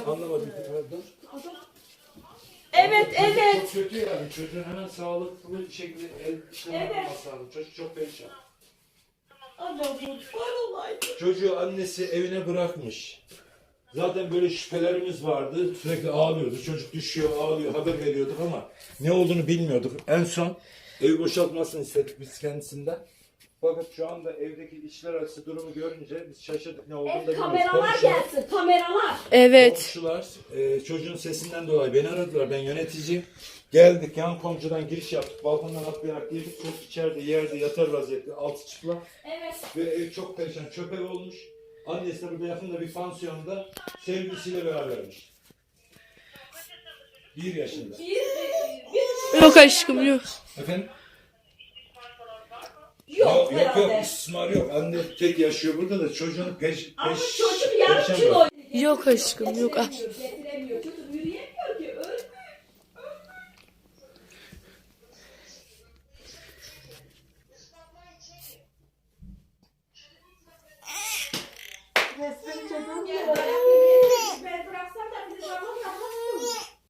Anlamadım. Dur. Evet, evet. Çok kötü yani. Çocuğun hemen sağlıklı bir şekilde el işlemi yapması lazım. Çocuk çok perişan. Ana bu var olaydı. Çocuğu annesi evine bırakmış. Zaten böyle şüphelerimiz vardı. Sürekli ağlıyordu. Çocuk düşüyor, ağlıyor. Haber veriyorduk ama ne olduğunu bilmiyorduk. En son evi boşaltmasını istedik biz kendisinden. Fakat şu anda evdeki işler arası durumu görünce biz şaşırdık, ne olduğunu da bilmiyoruz. Kameralar gelsin, kameralar. Evet. Komşular çocuğun sesinden dolayı beni aradılar. Ben yöneticiyim. Geldik, yan komşudan giriş yaptık. Balkondan atlayarak girdik. Çocuk içeride yerde yatar vaziyette. Altı çıplak. Evet. Ve ev çok perişan. Çöp ev olmuş. Annesi de burada yakında bir pansiyonda sevgilisiyle berabermiş. 1 yaşında. Yok aşkım yok. Efendim? Yok Yok herhalde. istismar yok. Anne tek yaşıyor burada da çocuğun Ama çocuk yarım perişan kilo. bırak. Yok aşkım yok. Ah. Getiremiyor. Çocuk yürüyemiyor ki. Ölmüyor. Resmen çocuğum